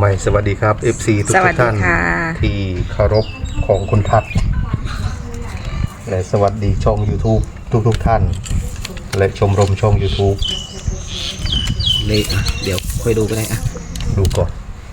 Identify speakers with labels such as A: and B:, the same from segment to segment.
A: ม่สวัสดีครับ FC ทุกท่านที่เคารพของคุณทัศน์และสวัสดีช่อง YouTube ทุกท่านและชมรมช่อง YouTube
B: เลยเดี๋ยวค่อยดูก็ได้
A: ดูก่อน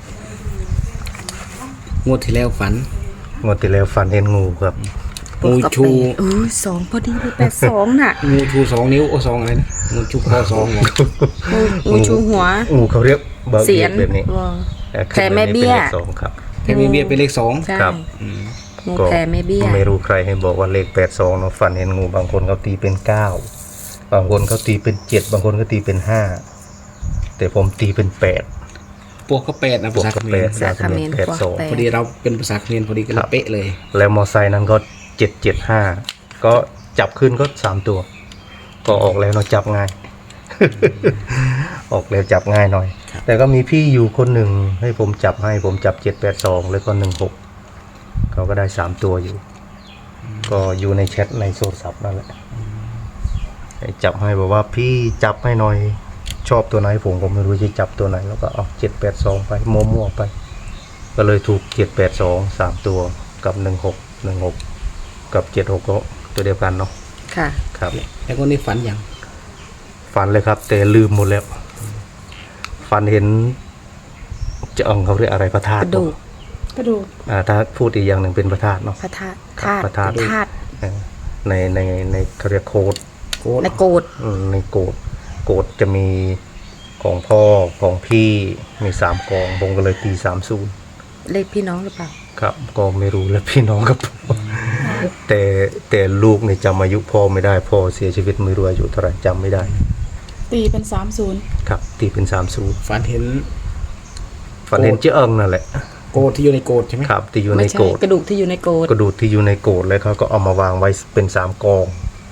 B: งวดที่แล้วฝัน
A: งวดที่แล้วฝันเห็นงูครับ
B: งูชู
C: สองพอดีเลย82น่ะ
B: งูชู2 นิ้ว2อะไรนะงูชูคอ2
C: งูชูหัว
A: งูเขาเรียกเบอร์เสียนแบบนี้
C: แผ่แม่เบี้ย
A: 2ครับ
B: แผ่แม่เบี้ยเป็นเลข2
A: ครับ
C: งูแผ่แม่เบี้ย
A: ไม่รู้ใครให้บอกว่าเลข82เนาะฝันเห็นงูบางคนเขาตีเป็น9บางคนเขาตีเป็น7บางคนก็ตีเป็น5แต่ผมตีเป็น8
B: พวกก็8นะภาษาเขมร
C: ภาษาเขมร
B: 82พอดีเราเป็นภาษาเขมรพอดีก็เลยเป๊ะเลย
A: แล้วมอไซค์นั้นก็775ก็จับขึ้นก็3ตัวก็ออกแล้วเนาะจับง่าย ออกแล้วจับง่ายหน่อยแต่ก็มีพี่อยู่คนหนึ่งให้ผมจับ782แล้วก็16เขาก็ได้3ตัวอยู่ก็อยู่ในแชทในโทรศัพท์นั่นแหละจับให้บอกว่าพี่จับให้หน่อยชอบตัวไหนผมก็ไม่รู้จะจับตัวไหนแล้วก็เอา782ไปมั่วๆไปก็เลยถูก782 3ตัวกับ16กับ76ก็ตัวเดียวกันเนาะ
C: ค่ะ
A: ครับ
B: แล้วก็นี่ฝันยัง
A: ฝันเลยครับแต่ลืมหมดแล้วฝันเห็นจะเขาเรียกอะไรพระธาตุ
C: กระดูก
A: ถ้าพูดอีกอย่างหนึ่งเป็นพระธาตุเนาะ
C: พระธาตุ
A: ในเขาเรียกโคด
C: ในโกด
A: ในโกดจะมีของพ่อของพี่มี3กองผมก็เลยตี30
C: เลขพี่น้องหรือเปล่า
A: ครับก็ไม่รู้แล้วพี่น้องกับแต่ลูกเนี่ยจำอายุพ่อไม่ได้พ่อเสียชีวิตไม่รู้อายุเท่าไหร่จำไม่ได้
D: ตีเป็น30
A: ครับตีเป็น30
B: ฝันเห็น
A: เจ้าเอิงนั่นแหละ
B: โกดที่อยู่ในโกดใช่ไหม
A: ครับที่อยู่ในโกด
C: กระดูกที่อยู่ในโกด
A: แล้วเขาก็เอามาวางไว้เป็น3กอง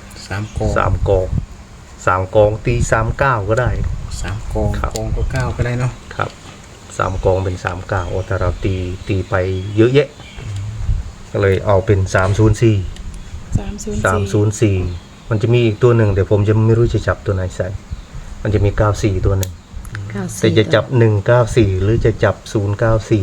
A: 3กองตี39ก็ได้
B: 3กองกองก็9ก็ได้เนาะ
A: ครับ3กองเป็น39โอ้ถ้าเราตีไปเยอะแยะก็เลยเอาเป็น304มันจะมีอีกตัวหนึ่งแต่ผมจะไม่รู้จะจับตัวไหนใส่มันจะมี94ตัวหนึ่งแต่จะจับ194หรือจะจับ094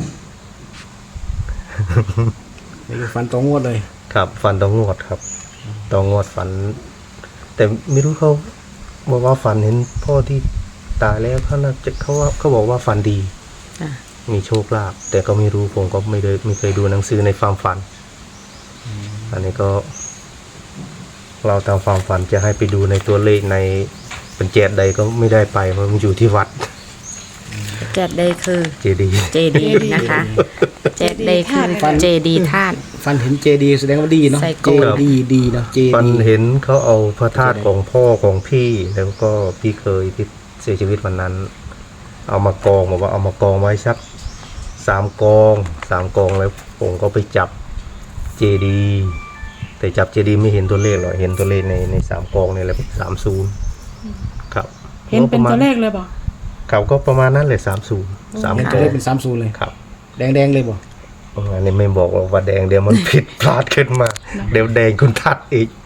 B: นี่คือฟันตรงงวดเลย
A: ครับฟันตรงงวดครับตรงงวดฝันแต่ไม่รู้เขาบอกว่าฝันเห็นพ่อที่ตายแล้วเขาบอกว่าฝันดีมีโชคลาภแต่ก็ไม่รู้ผมก็ไม่เคยดูหนังสือในความฝันอันนี้ก็เราตามความฝันจะให้ไปดูในตัวเลขในเป็นเจดใดก็ไม่ได้ไปเพราะมันอยู่ที่วัด
C: เจดใดคือ
A: เจดี
C: นะคะเจดใดคือเจดีธาตุ
B: ฟันเห็นเจดีแสดงว่าดีเนาะเจดีเนาะ
A: ฟันเห็นเขาเอาพระธาตุของพ่อของพี่แล้วก็พี่เคยที่เสียชีวิตวันนั้นเอามากองบอกว่าเอามากองไว้สัก3กองแล้วผมก็ไปจับเจดีแต่จับเจดีไม่เห็นตัวเลขหรอกเห็นตัวเลขใน3กองนี่แหละ30ครับ
D: เห็นเป็นตัวเลขเลยบ่
A: เขาก็ประมาณนั้นเลย30
B: 3ตัวเลขเป็น30เลย
A: ครับ
B: แดงเลยบ่
A: อันนี้ไม่บอกว่าแดงเดี๋ยวมันผิดพลาดขึ้นมาเดี๋ยวแดงคุณทัดอีก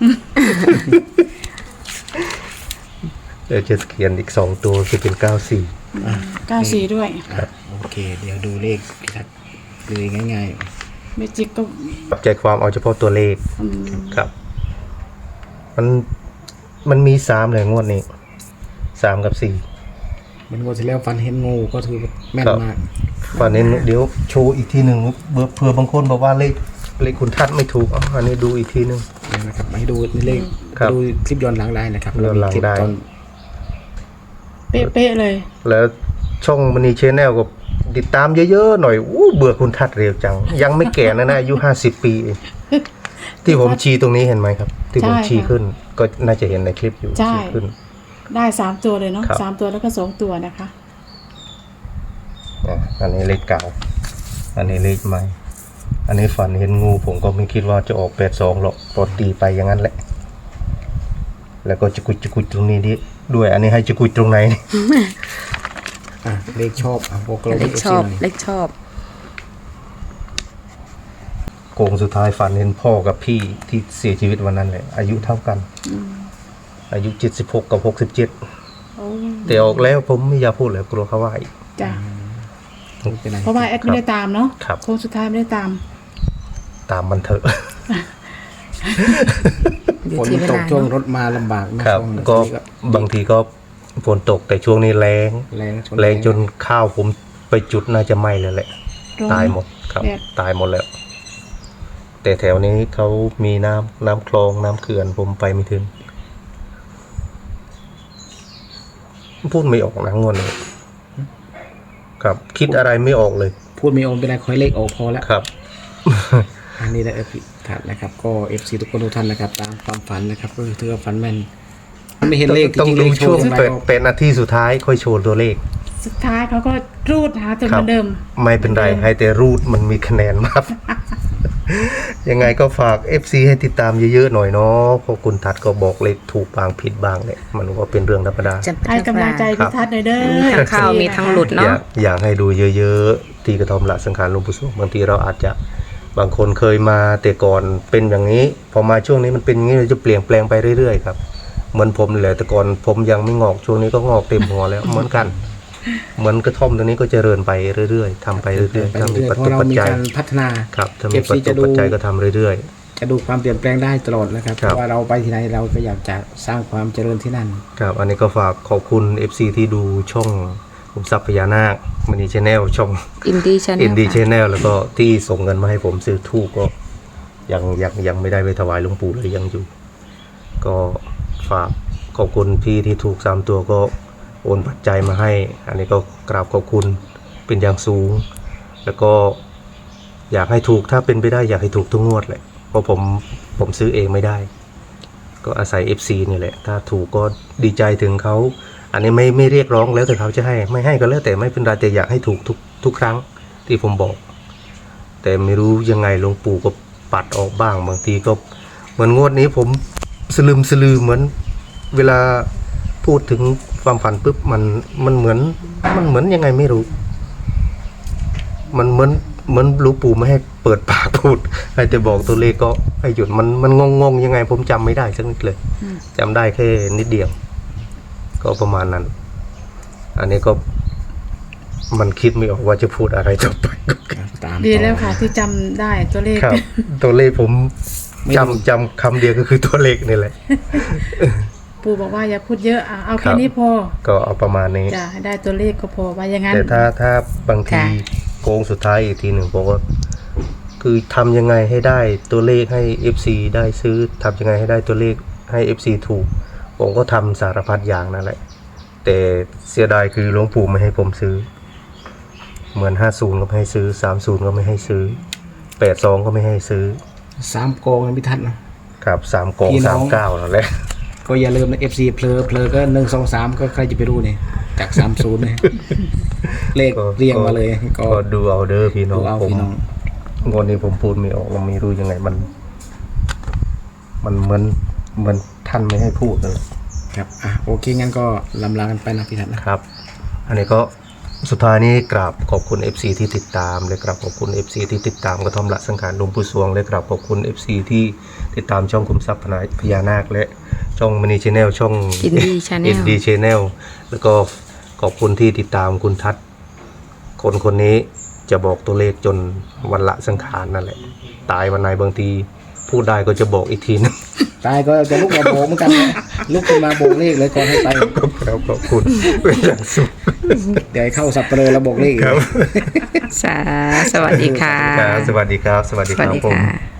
A: เดี๋ยวจะเขียนอีก2ตัวคือเป็น
D: 94ด้วย
B: โอเคเดี๋ยวดูเลขพี่ทัศน์เลยง่าย
D: ๆเมจิกก็
A: ปรับใจความเอาเฉพาะตัวเลขครับมันมี3เลยงวดนี้3กับ4
B: มันงวดที่แล้วฟันเห็นงูก็ถือแม่นมาก
A: ฟันเห็นเดี๋ยวโชว์อีกทีหนึ่งเผื่อบางคนบอกว่าเลขคุณทัศน์ไม่ถูกอันนี้ดูอีกทีหนึ่ง
B: นะครับให้ดูในเลขดูคลิปย้อนหลังได้นะครับ
A: ย้อนหลังได้
D: เป๊ะเลย
A: แล้วช่องมณีแชนแนลก็ติดตามเยอะๆหน่อยเบื่อคุณทัศน์เร็วจังยังไม่แก่นะอายุ50 ปีที่ผมชี้ตรงนี้เห็นไหมครับที่ผมชี้ขึ้นก็น่าจะเห็นในคลิปอยู่ชี้ขึ้น
D: ได้3ตัวเลยเนาะ3ตัวแล้วก็2ตัวนะคะ
A: อันนี้เลขเก่าอันนี้เลขใหม่อันนี้ฝันเห็นงูผมก็ไม่คิดว่าจะออก82หรอกพอตีไปอย่างนั้นแหละแล้วก็จะกุดตรงนี้ด้วยอันนี้ให้จะกุดตรงไหน
B: เลขชอบ
C: เลขชอบ
A: โกงสุดท้ายฝันเห็นพ่อกับพี่ที่เสียชีวิตวันนั้นเลยอายุเท่ากันอายุ76กับ67แต่ออกแล้วผมไม่อยากพูดเลยกลัวเขาว่าอีก
D: จ้ะ
B: ไม่เป็นไร
D: เพราะว่าแอดไม่ได้ตามเนาะ
A: ครับ
D: โค้งสุดท้ายไม่ได้ตาม
A: ตามมันเถอะ
C: อยู่
B: ฝน
C: ที่เว
B: ตก
C: ลา
B: ช่วง
C: เนาะ
B: รถมาลำบากนะครับ ช่วงนี้
A: ก็บางทีก็ฝนตกแต่ช่วงนี้แรง
B: แรง
A: แรงจนข้าวผมไปจุดน่าจะไหม้เลยแหละ
D: ร้อน
A: ตายหมดครับ
D: แดด
A: ตายหมดแล้ว แต่แถวนี้เขามีน้ำคลองน้ำเขื่อนผมไปไม่ถึง พูดไม่ออกนะงวดนี้ครับ คิดอะไรไม่ออกเลย
B: พูดไม่ออกเป็นไรคอยเลขออกพอแล้ว
A: ครับ
B: อันนี้แหละถัดนะครับก็ FC ทุกคนทุกท่านนะครับตามความฝันนะครับก็คือถือว่าฝันแม่นไม่เห็นเลข
A: ต้อง
B: จริงๆ
A: ดู
B: เลขโช
A: ช่ว
B: ว์
A: ง
B: อย่างไร
A: เป็นนาทีสุดท้ายค่อยโชว์ตัวเลข
D: สุดท้ายเขาก็รูดหาจนเหมือนเดิม
A: ไม่เป็นไร ให้แต่รูดมันมีคะแนนมาก ยังไงก็ฝาก FC ให้ติดตามเยอะๆหน่อยเนาะเพราะคุณทัดก็บอกเลขถูกบางผิดบางเลยมันก็เป็นเรื่องธรรมดา
C: จำเป็น
D: ให้กำลังใจพี่ทัศน์หน่อยเด้อ
C: มีทั้งเข้ามีทั้งหลุด
A: อ
C: เนาะ
A: ยากให้ดูเยอะๆที่กระท่อมละสังขารหลวงปู่สวงบางทีเราอาจจะบางคนเคยมาแต่ก่อนเป็นอย่างนี้ พอมาช่วงนี้มันเป็นอย่างนี้เราจะเปลี่ยนแปลงไปเรื่อยๆครับเหมือนผมนี่แหละแต่ก่อนผมยังไม่งอกช่วงนี้ก็งอกเต็มหัวแล้ว เหมือนกัน เหมือนกระท่อมตรงนี้ก็เจริญไปเรื่อยๆทำไปเรื่อย
B: ไป
A: ๆถ้ามี
B: เรื่อย
A: ปั
B: ๆ
A: จ
B: เพราะ
A: จุ
B: เรา
A: ปัจ
B: มี
A: จัย
B: การพัฒนา
A: ครับถ้ามี
B: FC
A: ปัจ
B: จะ
A: จุ
B: ดู
A: ปัจจัยก็ทำเรื่อย
B: จะดูความเปลี่ยนแปลงได้ตลอดนะครับ
A: ครับ
B: เพราะว่าเราไปที่ไหนเราก็อยากจะสร้างความเจริญที่นั่น
A: ๆครับอันนี้ก็ฝากขอบคุณ FC ที่ดูช่องขุมทรัพย์พญานาคมณีชาแนลช่อง
C: อินดี้ชาแน
A: อิน
C: ล
A: ดีชแนลแล้วก็ที่ส่งเงินมาให้ผมซื้อทูบก็ยังไม่ได้ไปถวายหลวงปู่เลยยังอยู่ ก็ฝากขอบคุณพี่ที่ถูก3 ตัวก็โอนปัจจัยมาให้ อันนี้ก็กราบขอบคุณเป็นอย่างสูง แล้วก็อยากให้ถูกถ้าเป็นไปได้อยากให้ถูกทุกงวดเลยเพราะผมซื้อเองไม่ได้ ก็อาศัย FC นี่แหละ ถ้าถูกก็ดีใจถึงเขา อันนี้ไม่เรียกร้องแล้วแต่เขาจะให้ไม่ให้ก็แล้วแต่ไม่เป็นไรแต่อยากให้ถูกทุกครั้งที่ผมบอก แต่ไม่รู้ยังไงหลวงปู่ก็ปัดออกบ้างบางทีก็เหมือนงวดนี้ผมสลืมเหมือนเวลาพูดถึงความฝันปุ๊บมันเหมือนยังไงไม่รู้ มันเหมือนหลวงปู่ไม่ให้เปิดปากพูดให้แต่บอกตัวเลขก็ให้หยุดมันงงยังไงผมจำไม่ได้สักนิดเลยจำได้แค่นิดเดียว ก็ประมาณนั้น อันนี้ก็มันคิดไม่ออกว่าจะพูดอะไรต่อไป
B: ตาม
D: ดีแล้วค่ะที่จำได้ตัวเลข
A: ครับ ตัวเลขผมจำคำเดียวก็คือตัวเลขนี่แหละ
D: ปู่บอกว่าอย่าพูดเยอะเอา
A: ครั
D: แค่
A: บ
D: นี้พอ
A: ก็เอาประมาณนี้
D: จะให้ได้ตัวเลขก็พอว่าอย่างนั้น
A: แต่ถ้าบางทีโกงสุดท้ายอีกทีหนึ่งผมก็คือทำยังไงให้ได้ตัวเลขให้ FC ได้ซื้อทำยังไงให้ได้ตัวเลขให้ FC ถูก ผมก็ทำสารพัดอย่างนั่นแหละ แต่เสียดายคือหลวงปู่ไม่ให้ผมซื้อ เหมือน50ก็ไม่ให้ซื้อ30ก็ไม่ให้ซื้อ82ก็ไม่ให้ซื้อ
B: 3 โกงนะพี่ทัศน์นะครับ
A: 3โกง
B: พี่น้อง
A: 39นั่นแหละ
B: ก็อย่าลืมนะ FC เพลอก็1 2 3ก็ใครจะไปรู้เนี่ยจาก30เนี่ยเลขเรียงมาเลยก็
A: ก็ดูเอาเด้อพี่น้อง
B: ดูเอา
A: ผม
B: พี่น้อง
A: งวดนี้ผมพูดไม่ออกเราไม่รู้ยังไงมันเหมือนท่านไม่ให้พูดเลย
B: ครับโอเคงั้นก็ลำลากันไปนะพี่ทัศน์นะครับ
A: อันนี้ก็สุดท้ายนี้กราบขอบคุณ FC ที่ติดตามและกราบขอบคุณ FC ที่ติดตามกระท่อมละสังขารหลวงปู่สวงและกราบขอบคุณ FC ที่ติดตามช่องขุมทรัพย์พญานาคและช่องมณีชาแนลช่อง
C: อินดี้ชาแน
A: อิ
C: ล
A: นดีชแนลแล้วก็ขอบคุณที่ติดตามคุณทัศน์คนนี้จะบอกตัวเลขจนวันละสังขารนั่นแหละตายวันไหนบางทีพูดได้ก็จะบอกอีกทีนึง
B: ตายก็จะลุกมาโบกเหมือนกันนะลุกขึ้นมาโบกเลขเลยก่อนให้ไป
A: ครับขอบคุณเป็นอย่างสุด
B: เดี๋ยวให้เข้าสับเปลือแล้วโบกเลขอีก
A: ครับ
C: สวัสดีค่ะ
A: ครับสวัสดีครับ สวัสดี
C: ส
A: ค
C: วัส
A: รับ
C: ดี
A: ผม
C: ค่ะ